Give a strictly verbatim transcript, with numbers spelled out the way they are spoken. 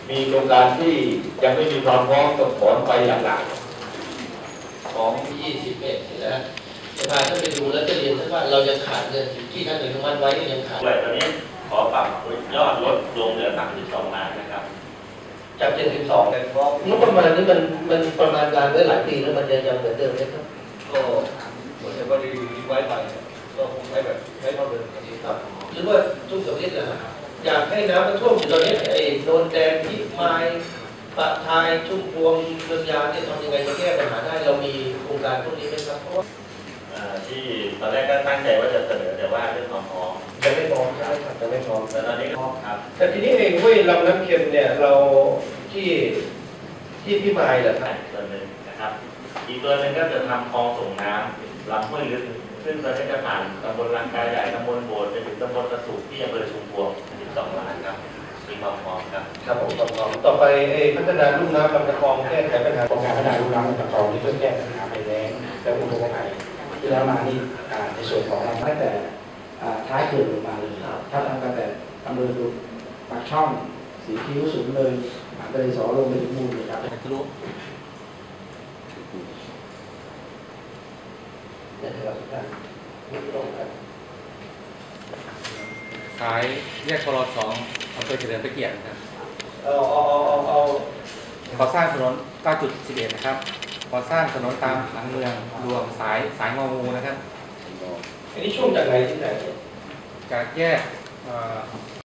มีโครงการที่ยังไม่มีความพร้อมต้องถอนไปหลักๆของยี่สิบเอ็ดนะจะพาท่านไปดูแล้วจะเรียนท่านว่าเรายังขาดเงินที่ท่านอนุมัติไว้ยังขาดด้วยตอนนี้ขอปรับยอดลดลงเหลือสามสิบสองล้านนะครับจากเจ็ดสิบสองเป็นเพราะงบประมาณนี้มันมันประมาณการไว้หลายปีแล้วมันยังยังเหมือนเดิมไหมครับก็เหมือนกับว่าดีไว้ไปก็คงใช้แบบใช้เท่าเดิมครับหรือว่าทุกสัปดาห์นะอยากให้น้ำมันท่วมอยู่ตอนนี้ไอ้โนนแดงพิมายปะทายชุ่มพวงเมืองยาเนี่ยทำยังไงจะแก้ปัญหาได้เรามีโครงการพวกนี้ไหมครับเพราะว่าที่ตอนแรกก็ตั้งใจว่าจะเสนอแต่ว่าเรื่องความพร้อมยังไม่พร้อมใช่ครับยังไม่พร้อมแต่ตอนนี้พร้อมครับแต่ทีนี้เองห้วยลำน้ำเค็มเนี่ยเราที่ที่พิมายเหรอครับส่วนหนึ่งนะครับอีกตัวหนึ่งก็จะทำคลองส่งน้ำลำห้วยลึกซึ่งตอนนี้จะผ่านตำบลลังกาใหญ่ตำบลโบสถ์ไปถึงตำบลกระสุกที่อำเภอชุมพวงสิบสองล้านครับมีความพร้อมครับครับผมความพร้อมต่อไปพัฒนาลุ่มน้ำลำตะคองแก้ไขปัญหาโครงการพัฒนาลุ่มน้ำลำตะคองที่เพื่อแก้ปัญหาภัยแล้งและอุทกภัยที่แล้วมานี่ในส่วนของเราตั้งแต่ท้ายเขื่อนลงมาเลยถ้าตั้งแต่อำเภอปากช่องสีคิ้วสูงเลยหางทะเลสอลงไปถึงมูลเลยครับทะลุสายแยกพลสองอำเภอเฉลิมพระเกียรตินะครับเอาเอาเอาเอาก่อสร้างถนน เก้าจุดสิบเอ็ด นะครับก่อสร้างถนนตามหลังเมืองรวมสายสายงองูนะครับอันนี้ช่วงจากไหนที่ไหนจากแยก